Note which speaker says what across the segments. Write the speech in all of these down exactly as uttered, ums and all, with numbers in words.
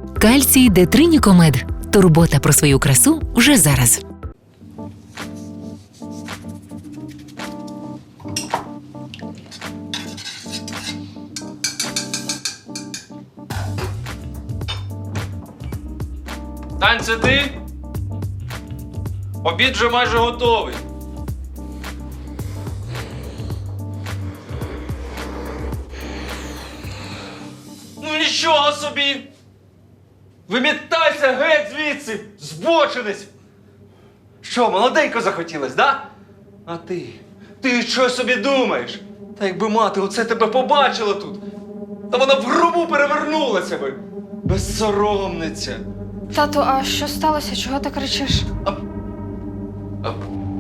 Speaker 1: Кальцій Детринікомед. Турбота про свою красу вже зараз.
Speaker 2: Тань, це ти? Обід вже майже готовий. Ну нічого собі! Вимітайся геть звідси, збочинець! Що, молоденько захотілось, да? А ти? Ти що собі думаєш? Та якби мати оце тебе побачила тут, та вона в гробу перевернулася би! Безсоромниця!
Speaker 3: Тату, а що сталося? Чого ти кричиш?
Speaker 2: А... А...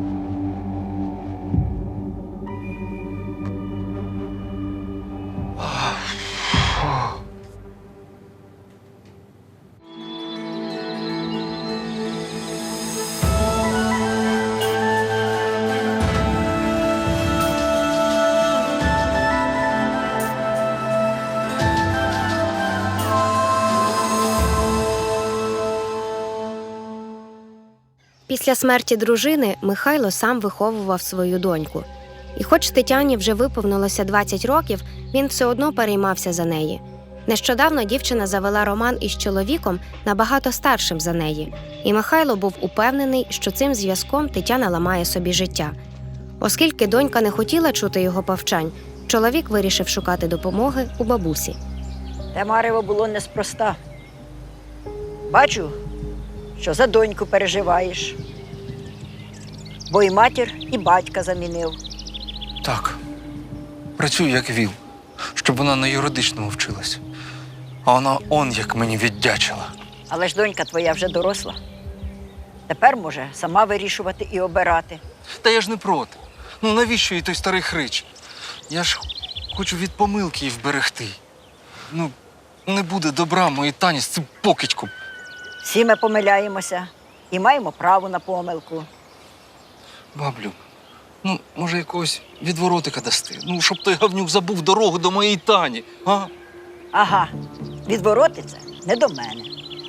Speaker 4: Після смерті дружини Михайло сам виховував свою доньку. І хоч Тетяні вже виповнилося двадцять років, він все одно переймався за неї. Нещодавно дівчина завела роман із чоловіком набагато старшим за неї. І Михайло був упевнений, що цим зв'язком Тетяна ламає собі життя. Оскільки донька не хотіла чути його повчань, чоловік вирішив шукати допомоги у бабусі.
Speaker 5: Те марево було неспроста. Бачу, що за доньку переживаєш. Бо і матір, і батька замінив.
Speaker 6: Так. Працюю як віл, щоб вона на юридичному вчилась. А вона он як мені віддячила.
Speaker 5: Але ж донька твоя вже доросла. Тепер може сама вирішувати і обирати.
Speaker 6: Та я ж не проти. Ну навіщо їй той старий хрич? Я ж хочу від помилки її вберегти. Ну, не буде добра моїй Тані з цим покидьком.
Speaker 5: Всі ми помиляємося і маємо право на помилку.
Speaker 6: Баблю, ну, може, якогось відворотика дасти? Ну, щоб той гавнюк забув дорогу до моєї Тані, а?
Speaker 5: Ага, відворотиться не до мене.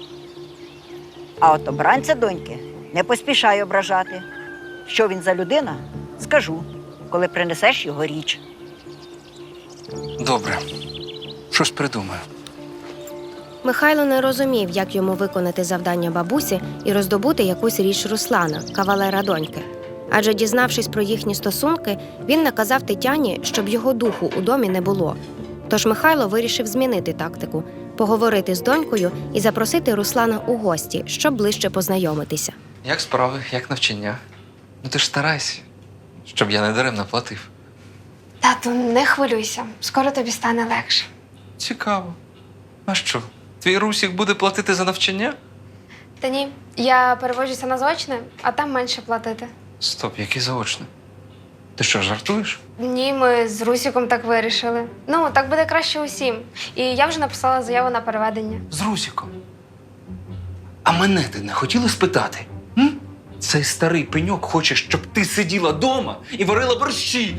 Speaker 5: А от обранця доньки не поспішай ображати. Що він за людина, скажу, коли принесеш його річ.
Speaker 6: Добре, щось придумаю.
Speaker 4: Михайло не розумів, як йому виконати завдання бабусі і роздобути якусь річ Руслана, кавалера доньки. Адже, дізнавшись про їхні стосунки, він наказав Тетяні, щоб його духу у домі не було. Тож Михайло вирішив змінити тактику, поговорити з донькою і запросити Руслана у гості, щоб ближче познайомитися.
Speaker 6: Як справи, як навчання? Ну ти ж старайся, щоб я не даремно платив.
Speaker 3: Тату, не хвилюйся. Скоро тобі стане легше.
Speaker 6: Цікаво. А що, твій Русік буде платити за навчання?
Speaker 3: Та ні, я переводжуся на заочне, а там менше платити.
Speaker 6: Стоп, який заочний? Ти що, жартуєш?
Speaker 3: Ні, ми з Русіком так вирішили. Ну, так буде краще усім. І я вже написала заяву на переведення.
Speaker 6: З Русіком. А мене ти не хотіла спитати? М? Цей старий пеньок хоче, щоб ти сиділа дома і варила борщі.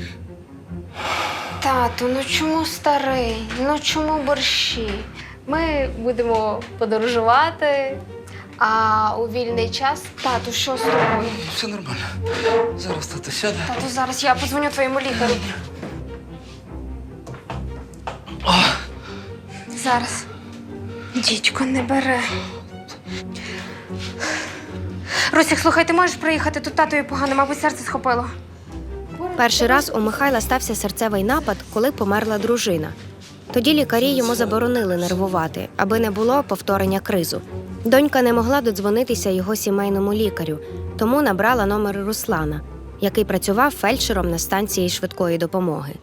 Speaker 3: Тату, ну чому старий? Ну чому борщі? Ми будемо подорожувати, а у вільний час… Тату, що з тобою?
Speaker 6: Все нормально. Зараз тато сяде.
Speaker 3: Тату, зараз я подзвоню твоєму лікарю. Зараз. Дідько, не бере. Русік, слухай, ти можеш приїхати? Тут татові погано, мабуть, серце схопило.
Speaker 4: Перший раз у Михайла стався серцевий напад, коли померла дружина. Тоді лікарі йому заборонили нервувати, аби не було повторення кризу. Донька не могла додзвонитися його сімейному лікарю, тому набрала номер Руслана, який працював фельдшером на станції швидкої допомоги.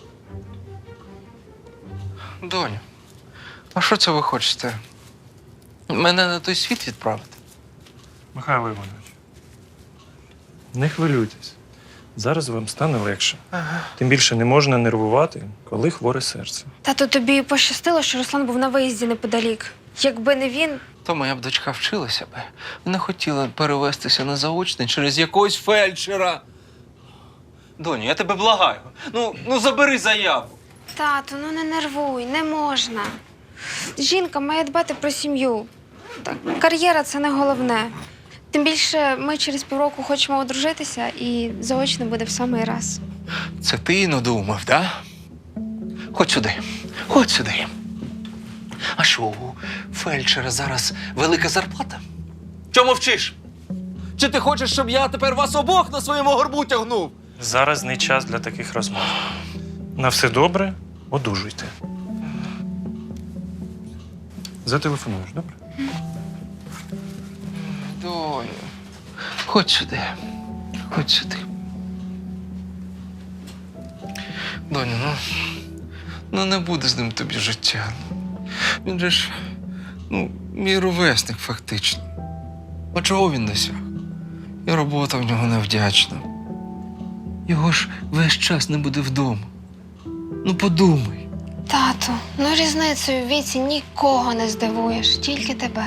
Speaker 6: Доню, а що це ви хочете? Мене на той світ відправити?
Speaker 7: Михайло Іванович, не хвилюйтесь. Зараз вам стане легше.
Speaker 6: Ага.
Speaker 7: Тим більше не можна нервувати, коли хворе серце.
Speaker 3: Тату, тобі пощастило, що Руслан був на виїзді неподалік. Якби не він…
Speaker 6: То моя б дочка вчилася би. Не хотіла перевестися на заочний через якогось фельдшера. Доню, я тебе благаю. Ну, ну забери заяву.
Speaker 3: Тату, ну не нервуй, не можна. Жінка має дбати про сім'ю. Так, кар'єра це не головне. Тим більше ми через півроку хочемо одружитися і заочно буде в самий раз.
Speaker 2: Це ти надумав, да? Ходь сюди, ходь сюди. А що, у фельдшера зараз велика зарплата? Чому вчиш? Чи ти хочеш, щоб я тепер вас обох на своєму горбу тягнув?
Speaker 7: Зараз не час для таких розмов. На все добре, одужуйте. Зателефонуєш, добре?
Speaker 2: Доню, ходь сюди, ходь сюди. Доню, ну, ну не буде з ним тобі життя. Він же ж, ну, мій ровесник фактично. А чого він досяг? І робота в нього невдячна. Його ж весь час не буде вдома. Ну подумай.
Speaker 3: Тату, ну різницею в віці нікого не здивуєш, тільки тебе.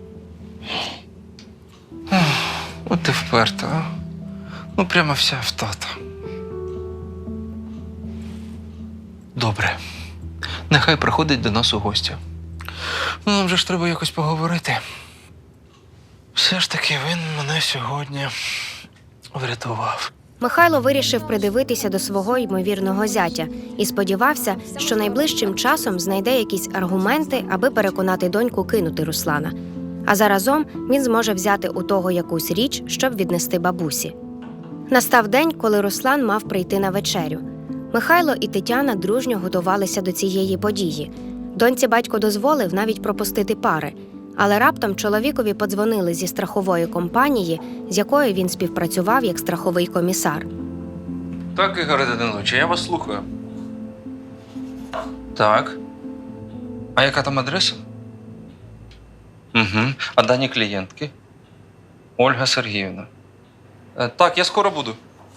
Speaker 2: От ти вперта, а? Ну прямо вся в тата. Добре. Нехай приходить до нас у гості. Ну, нам же ж треба якось поговорити. Все ж таки він мене сьогодні врятував.
Speaker 4: Михайло вирішив придивитися до свого ймовірного зятя і сподівався, що найближчим часом знайде якісь аргументи, аби переконати доньку кинути Руслана. А заразом він зможе взяти у того якусь річ, щоб віднести бабусі. Настав день, коли Руслан мав прийти на вечерю. Михайло і Тетяна дружньо готувалися до цієї події. Доньці батько дозволив навіть пропустити пари. Але раптом чоловікові подзвонили зі страхової компанії, з якою він співпрацював як страховий комісар.
Speaker 2: Так, Ігор Данилович, я вас слухаю. Так. А яка там адреса? Угу. А дані клієнтки? Ольга Сергіївна. Е, так, я скоро буду.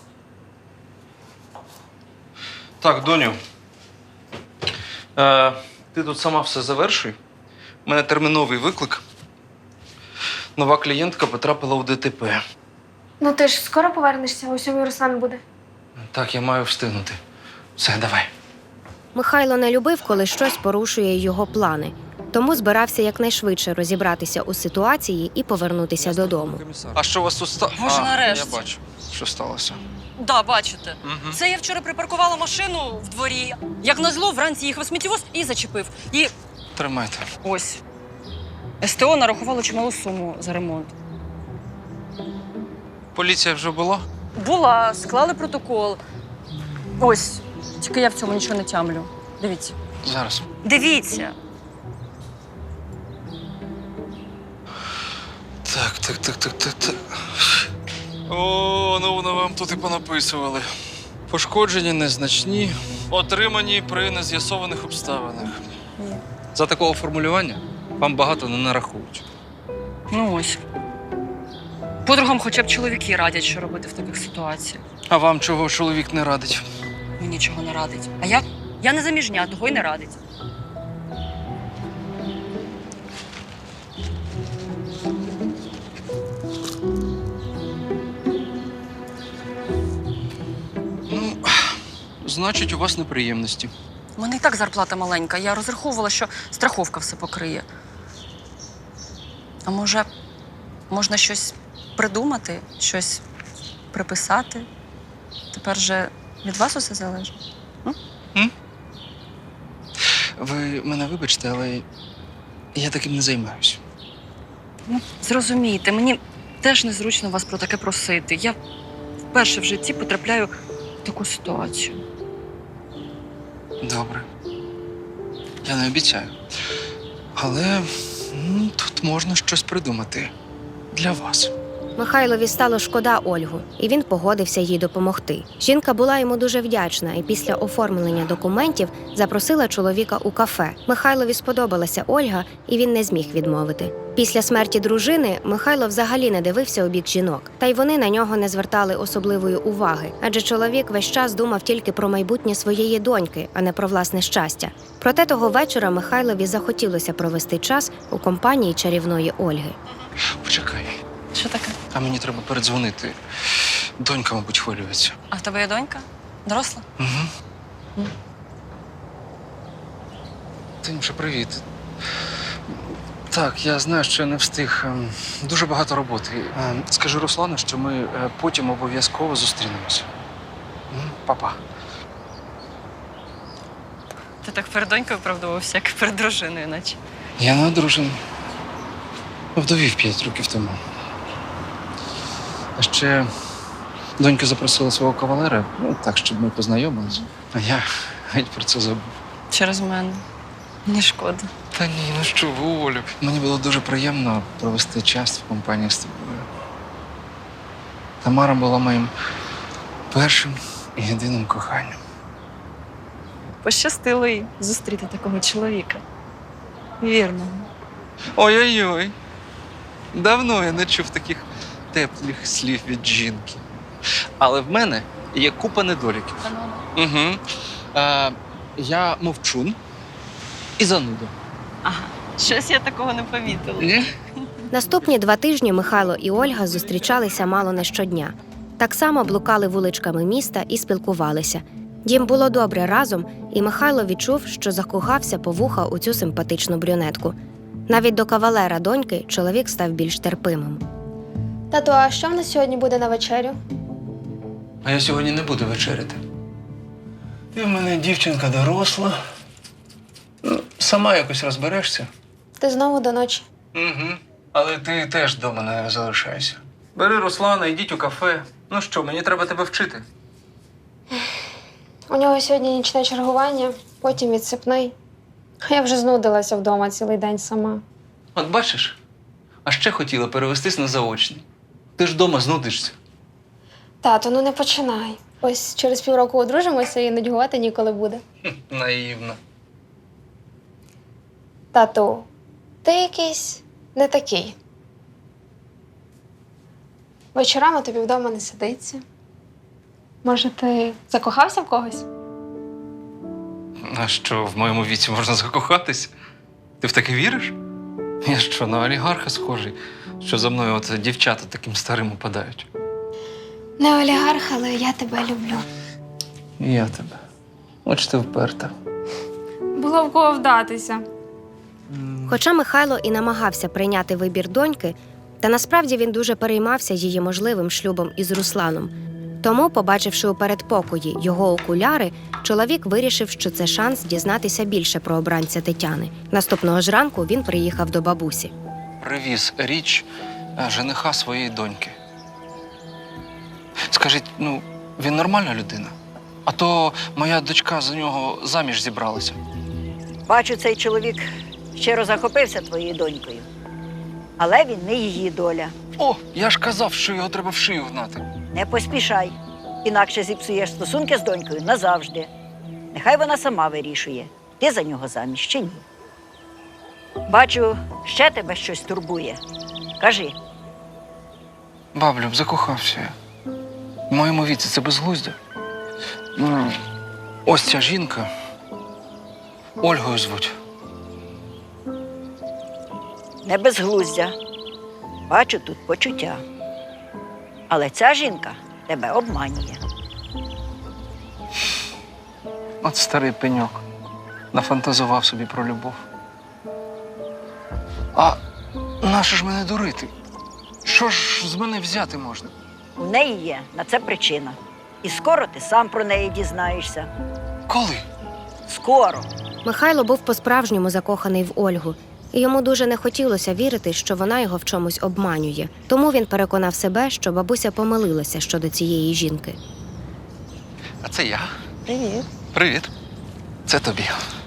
Speaker 2: Так, доню. Е, ти тут сама все завершуй. У мене терміновий виклик. Нова клієнтка потрапила у ДТП.
Speaker 3: Ну ти ж скоро повернешся, у сьомій Руслан буде.
Speaker 2: Так, я маю встигнути. Все, давай.
Speaker 4: Михайло не любив, коли щось порушує його плани, тому збирався якнайшвидше розібратися у ситуації і повернутися додому.
Speaker 2: А що у вас тут сталося?
Speaker 8: Боже, нарешті.
Speaker 2: Я бачу, що сталося.
Speaker 8: Да, бачите.
Speaker 2: Угу.
Speaker 8: Це я вчора припаркувала машину в дворі. Як назло, вранці їхав сміттєвоз і зачепив. І
Speaker 2: Тримайте.
Speaker 8: ось. СТО нарахувало чималу суму за ремонт.
Speaker 2: Поліція вже була?
Speaker 8: Була, склали протокол. Ось. Тільки я в цьому нічого не тямлю. Дивіться.
Speaker 2: Зараз.
Speaker 8: Дивіться.
Speaker 2: Так, так, так, так, так, так. О, ну воно вам тут і понаписували. Пошкодження незначні, отримані при нез'ясованих обставинах.
Speaker 8: Ні.
Speaker 2: За такого формулювання вам багато не нарахують.
Speaker 8: Ну ось. Подругам хоча б чоловіки радять, що робити в таких ситуаціях.
Speaker 2: А вам чого чоловік не радить?
Speaker 8: Мені нічого не радить. А я, я не заміжня, того й не радить.
Speaker 2: Ну, значить, у вас неприємності.
Speaker 8: У мене і так зарплата маленька. Я розраховувала, що страховка все покриє. А може, можна щось придумати, щось приписати? Тепер же від вас усе залежить.
Speaker 2: Ви мене вибачте, але я таким не займаюся.
Speaker 8: Ну, зрозумійте, мені теж незручно вас про таке просити. Я вперше в житті потрапляю в таку ситуацію.
Speaker 2: Добре. Я не обіцяю. Але ну, тут можна щось придумати для вас.
Speaker 4: Михайлові стало шкода Ольгу, і він погодився їй допомогти. Жінка була йому дуже вдячна і після оформлення документів запросила чоловіка у кафе. Михайлові сподобалася Ольга, і він не зміг відмовити. Після смерті дружини Михайло взагалі не дивився у бік жінок, та й вони на нього не звертали особливої уваги, адже чоловік весь час думав тільки про майбутнє своєї доньки, а не про власне щастя. Проте того вечора Михайлові захотілося провести час у компанії чарівної Ольги.
Speaker 2: Почекай.
Speaker 8: Що таке?
Speaker 2: А мені треба передзвонити. Донька, мабуть, хвилюється.
Speaker 8: А в тебе є донька? Доросла?
Speaker 2: Угу.
Speaker 8: М.
Speaker 2: Танюша, привіт.
Speaker 6: так, я знаю, що я не встиг. Ем, Дуже багато роботи. Ем, Скажи Руслану, що ми е, потім обов'язково зустрінемося. М, Па-па.
Speaker 8: Ти так перед донькою оправдувався, як перед дружиною, наче.
Speaker 6: Я не одружений. Вдовів п'ять років тому. А ще донька запросила свого кавалера, ну так, щоб ми познайомилися. А я геть про це забув.
Speaker 8: Через мене. Мені шкода.
Speaker 6: Та ні, ну що ви, Олю. Мені було дуже приємно провести час в компанії з тобою. Тамара була моїм першим і єдиним коханням.
Speaker 8: Пощастило їй зустріти такого чоловіка. Вірного.
Speaker 6: Ой-ой-ой. Давно я не чув таких теплих слів від жінки. Але в мене є купа недоліків. Угу. А, я мовчун і зануда.
Speaker 8: Ага, щось я такого не помітила.
Speaker 6: Ні?
Speaker 4: Наступні два тижні Михайло і Ольга зустрічалися мало не щодня. Так само блукали вуличками міста і спілкувалися. Їм було добре разом, і Михайло відчув, що закохався по вуха у цю симпатичну брюнетку. Навіть до кавалера доньки чоловік став більш терпимим.
Speaker 3: Тату, а що в нас сьогодні буде на вечерю?
Speaker 2: А я сьогодні не буду вечеряти. Ти в мене дівчинка доросла. Ну, сама якось розберешся.
Speaker 3: Ти знову до ночі.
Speaker 2: Угу. Але ти теж вдома не залишайся. Бери Руслана, йдіть у кафе. Ну що, мені треба тебе вчити.
Speaker 3: У нього сьогодні нічне чергування, потім відсипний. А я вже знудилася вдома цілий день сама.
Speaker 2: От бачиш, а ще хотіла перевестись на заочний. Ти ж вдома знудишся.
Speaker 3: Тато, ну не починай. Ось через півроку одружимося і нудьгувати ніколи буде.
Speaker 2: Наївно.
Speaker 3: Тату, ти якийсь не такий. Вечорами тобі вдома не сидиться. Може, ти закохався в когось?
Speaker 6: А що, в моєму віці можна закохатись? Ти в таке віриш? Я що, на олігарха схожий, що за мною от дівчата таким старим упадають?
Speaker 3: Не олігарх, але я тебе люблю.
Speaker 2: І я тебе. От ти вперта.
Speaker 3: Було в кого вдатися.
Speaker 4: Хоча Михайло і намагався прийняти вибір доньки, та насправді він дуже переймався її можливим шлюбом із Русланом. Тому, побачивши у передпокої його окуляри, чоловік вирішив, що це шанс дізнатися більше про обранця Тетяни. Наступного ж ранку він приїхав до бабусі.
Speaker 6: Привіз річ е, жениха своєї доньки. Скажіть, ну, він нормальна людина? А то моя дочка за нього заміж зібралася.
Speaker 5: Бачу, цей чоловік щиро захопився твоєю донькою. Але він не її доля.
Speaker 6: О, я ж казав, що його треба в шию гнати.
Speaker 5: Не поспішай, інакше зіпсуєш стосунки з донькою назавжди. Нехай вона сама вирішує, ти за нього заміж чи ні. Бачу, ще тебе щось турбує. Кажи.
Speaker 6: Баблю, закохався я. В моєму віці це безглуздя. Ну, ось ця жінка. Ольгою звуть.
Speaker 5: Не безглуздя. Бачу тут почуття. Але ця жінка тебе обманює.
Speaker 6: От старий пеньок. Нафантазував собі про любов. А нащо ж мене дурити? Що ж з мене взяти можна?
Speaker 5: У неї є на це причина. І скоро ти сам про неї дізнаєшся.
Speaker 6: Коли?
Speaker 5: Скоро.
Speaker 4: Михайло був по-справжньому закоханий в Ольгу, і йому дуже не хотілося вірити, що вона його в чомусь обманює. Тому він переконав себе, що бабуся помилилася щодо цієї жінки.
Speaker 6: А це я.
Speaker 8: Привіт.
Speaker 6: Привіт. Це тобі.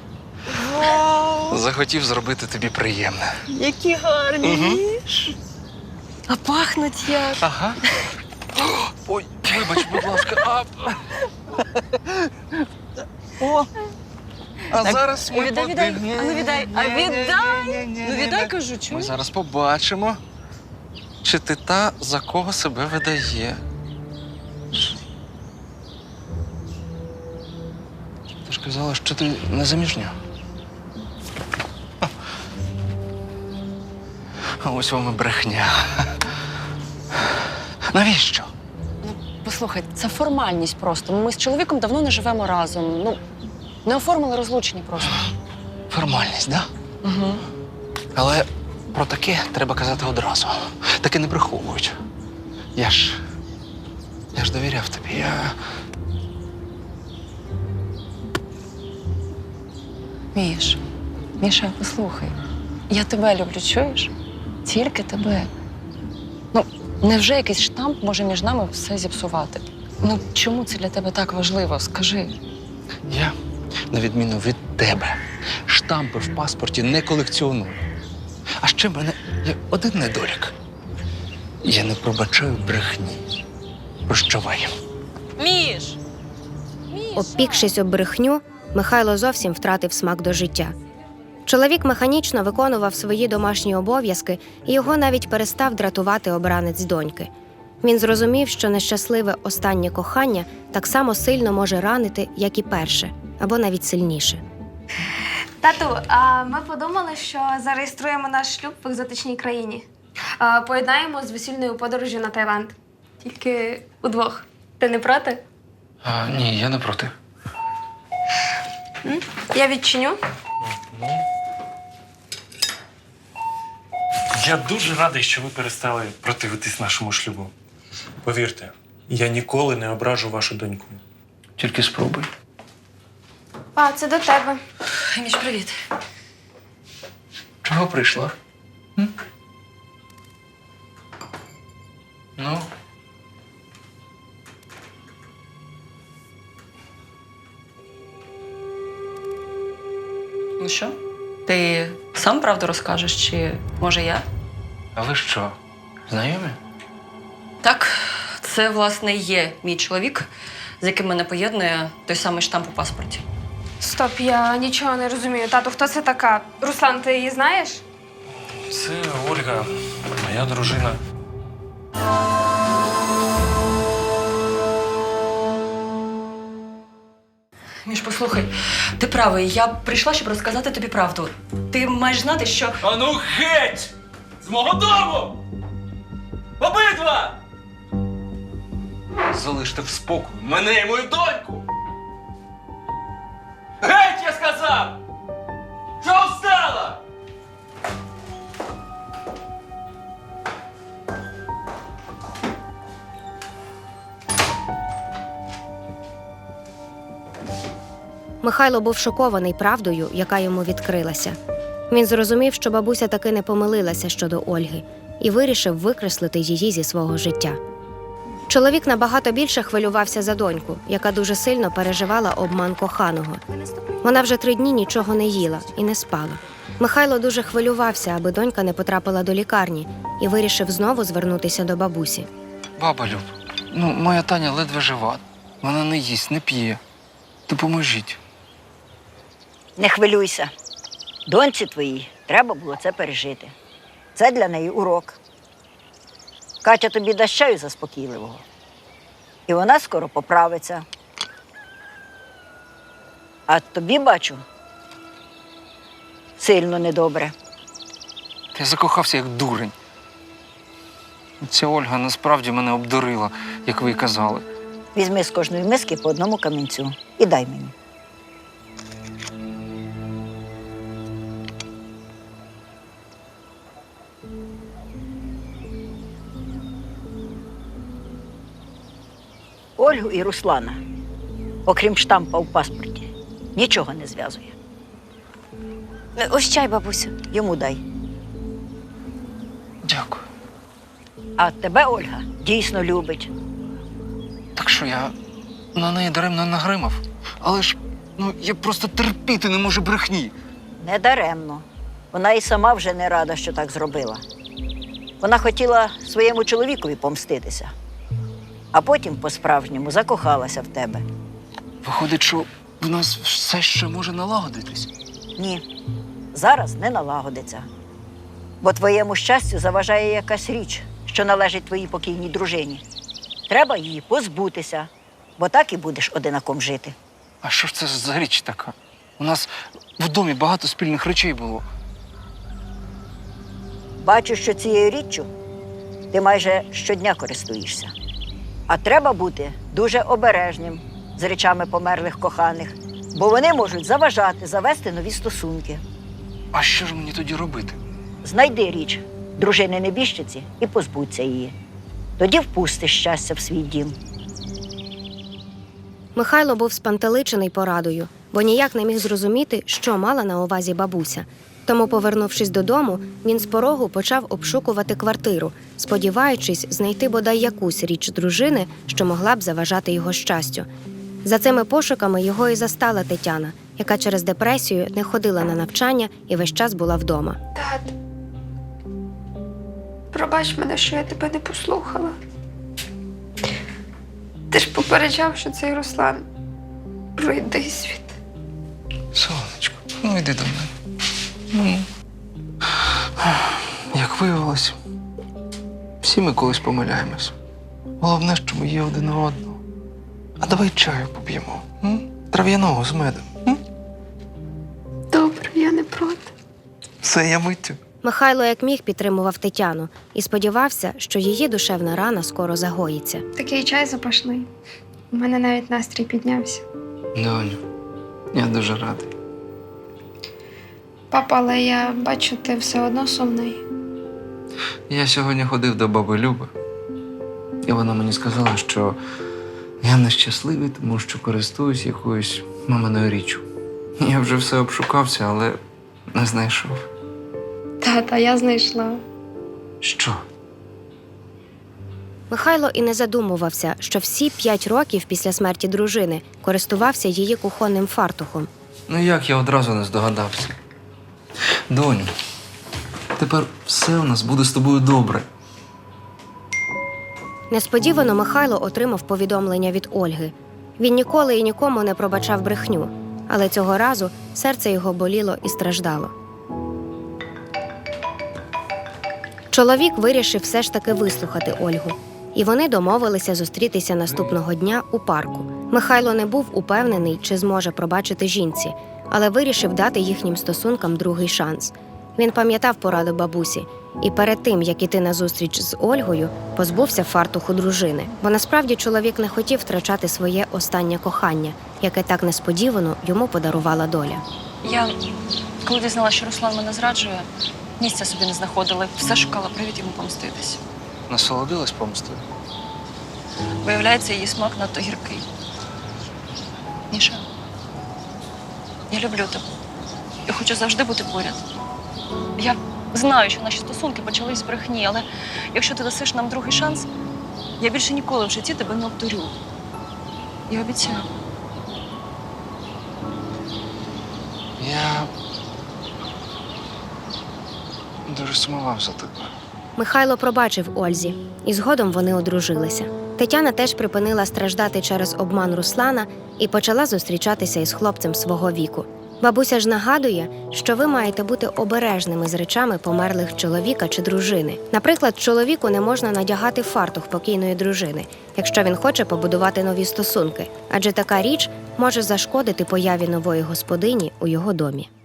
Speaker 6: Захотів зробити тобі приємне.
Speaker 8: Які гарні.
Speaker 6: Угу.
Speaker 8: А пахнуть як.
Speaker 6: Ага. Ой, вибач, будь ласка. А,
Speaker 8: О,
Speaker 6: а
Speaker 8: Так,
Speaker 6: зараз ми
Speaker 8: віддай, віддай.
Speaker 6: подивимось.
Speaker 8: А ну віддай. А віддай. Ну віддай, кажу,
Speaker 6: Ми
Speaker 8: чуєш?
Speaker 6: зараз побачимо, чи ти та, за кого себе видає. Ти ж казала, що ти не заміжня. А ось вам і брехня. Навіщо?
Speaker 8: Ну, послухай, це формальність просто. Ми з чоловіком давно не живемо разом. Ну, не оформили розлучення просто.
Speaker 6: Формальність, да?
Speaker 8: Угу.
Speaker 6: Але Про таке треба казати одразу. Таке не приховують. Я ж. Я ж довіряв тобі. Я.
Speaker 8: Міш, Міша, послухай. Я тебе люблю, чуєш? Тільки тебе. Ну, невже якийсь штамп може між нами все зіпсувати? Ну, чому це для тебе так важливо? Скажи.
Speaker 6: Я, на відміну від тебе, штампи в паспорті не колекціоную. А ще в мене є один недолік. Я не пробачаю брехні. Прощавай.
Speaker 8: Міш!
Speaker 4: Обпікшись об брехню, Михайло зовсім втратив смак до життя. Чоловік механічно виконував свої домашні обов'язки, і його навіть перестав дратувати обранець доньки. Він зрозумів, що нещасливе останнє кохання так само сильно може ранити, як і перше, або навіть сильніше.
Speaker 3: Тату, а ми подумали, що зареєструємо наш шлюб в екзотичній країні. А, Поєднаємо з весільною подорожю на Таїланд. Тільки удвох. Ти не проти?
Speaker 6: А, ні, я не проти.
Speaker 3: М? Я відчиню.
Speaker 7: Я дуже радий, що ви перестали противитись нашому шлюбу. Повірте, я ніколи не ображу вашу доньку.
Speaker 6: Тільки спробуй.
Speaker 3: А, це до тебе.
Speaker 8: Міш, привіт.
Speaker 6: Чого прийшла? М? Ну?
Speaker 8: Ну що? Ти сам правду розкажеш, чи може я?
Speaker 6: А ви що, знайомі?
Speaker 8: Так, це, власне, і є мій чоловік, з яким мене поєднує той самий штамп у паспорті.
Speaker 3: Стоп, я нічого не розумію. Тату, хто це така? Руслан, ти її знаєш?
Speaker 7: Це Ольга, моя дружина.
Speaker 8: Міш, послухай, ти правий, я прийшла, щоб розказати тобі правду. Ти маєш знати, що...
Speaker 2: А ну геть! З мого дому! Обидва! Залиште в спокою мене і мою доньку! Геть, я сказав! Чого встала?
Speaker 4: Михайло був шокований правдою, яка йому відкрилася. Він зрозумів, що бабуся таки не помилилася щодо Ольги, і вирішив викреслити її зі свого життя. Чоловік набагато більше хвилювався за доньку, яка дуже сильно переживала обман коханого. Вона вже три дні нічого не їла і не спала. Михайло дуже хвилювався, аби донька не потрапила до лікарні, і вирішив знову звернутися до бабусі.
Speaker 6: Баба Люб, ну, моя Таня ледве жива. Вона не їсть, не п'є. Допоможіть.
Speaker 5: Не хвилюйся. Доньці твоїй треба було це пережити. Це для неї урок. Катя тобі дасть чаю заспокійливого. І вона скоро поправиться. А тобі, бачу, сильно недобре.
Speaker 6: Я закохався як дурень. Ця Ольга насправді мене обдурила, як ви й казали.
Speaker 5: Візьми з кожної миски по одному камінцю і дай мені. Ольгу і Руслана, окрім штампа у паспорті, нічого не зв'язує.
Speaker 3: Ось чай, бабусю.
Speaker 5: Йому дай.
Speaker 6: Дякую.
Speaker 5: А тебе Ольга дійсно любить.
Speaker 6: Так що я на неї даремно нагримав. Але ж, ну, я просто терпіти не можу брехні.
Speaker 5: Недаремно. Вона і сама вже не рада, що так зробила. Вона хотіла своєму чоловікові помститися, а потім по-справжньому закохалася в тебе.
Speaker 6: Виходить, що в нас все ще може налагодитись.
Speaker 5: Ні, зараз не налагодиться. Бо твоєму щастю заважає якась річ, що належить твоїй покійній дружині. Треба її позбутися, бо так і будеш одинаком жити.
Speaker 6: А що ж це за річ така? У нас в домі багато спільних речей було.
Speaker 5: Бачу, що цією річчю ти майже щодня користуєшся. А треба бути дуже обережним з речами померлих коханих, бо вони можуть заважати завести нові стосунки.
Speaker 6: А що ж мені тоді робити?
Speaker 5: знайди річ дружини небіжчиці і позбудься її. Тоді впустиш щастя в свій дім.
Speaker 4: Михайло був спантеличений порадою, бо ніяк не міг зрозуміти, що мала на увазі бабуся. Тому, повернувшись додому, він з порогу почав обшукувати квартиру, сподіваючись знайти бодай якусь річ дружини, що могла б заважати його щастю. За цими пошуками його і застала Тетяна, яка через депресію не ходила на навчання і весь час була вдома.
Speaker 3: Тат, пробач мене, що я тебе не послухала. Ти ж попереджав, що цей Руслан пройде світ.
Speaker 2: Сонечко, ну йди до мене. Ну. Як виявилось, всі ми колись помиляємось. Головне, що ми є один у одного. А давай чаю поп'ємо. М? Трав'яного з медом. М?
Speaker 3: Добре, я не проти.
Speaker 2: Все, я миттю.
Speaker 4: Михайло як міг підтримував Тетяну і сподівався, що її душевна рана скоро загоїться.
Speaker 3: Такий чай запашний. У мене навіть настрій піднявся.
Speaker 2: Доню, я дуже радий.
Speaker 3: Папа, але я бачу, ти все одно сумний.
Speaker 2: Я сьогодні ходив до баби Люби, і вона мені сказала, що я нещасливий, тому що користуюсь якоюсь маминою річчю. Я вже все обшукався, але не знайшов.
Speaker 3: Тата, я знайшла.
Speaker 2: Що?
Speaker 4: Михайло і не задумувався, що всі п'ять років після смерті дружини користувався її кухонним фартухом.
Speaker 2: Ну як я одразу не здогадався? Доню, тепер все у нас буде з тобою добре.
Speaker 4: Несподівано Михайло отримав повідомлення від Ольги. Він ніколи і нікому не пробачав брехню, але цього разу серце його боліло і страждало. Чоловік вирішив все ж таки вислухати Ольгу, і вони домовилися зустрітися наступного дня у парку. Михайло не був упевнений, чи зможе пробачити жінці, але вирішив дати їхнім стосункам другий шанс. Він пам'ятав пораду бабусі і перед тим, як іти на зустріч з Ольгою, позбувся фартуху дружини. Бо насправді чоловік не хотів втрачати своє останнє кохання, яке так несподівано йому подарувала доля.
Speaker 8: Я, коли дізналася, що Руслан мене зраджує, місця собі не знаходила, все шукала привід йому помститись.
Speaker 2: Насолодилась помстою?
Speaker 8: Виявляється, її смак надто гіркий. Міша, я люблю тебе. Я хочу завжди бути поряд. Я знаю, що наші стосунки почались з брехні, але якщо ти дасиш нам другий шанс, я більше ніколи в житті тебе не обдурю. Я обіцяю.
Speaker 2: Я дуже сумував за тобою.
Speaker 4: Михайло пробачив Ользі, і згодом вони одружилися. Тетяна теж припинила страждати через обман Руслана і почала зустрічатися із хлопцем свого віку. Бабуся ж нагадує, що ви маєте бути обережними з речами померлих чоловіка чи дружини. Наприклад, чоловіку не можна надягати фартух покійної дружини, якщо він хоче побудувати нові стосунки, адже така річ може зашкодити появі нової господині у його домі.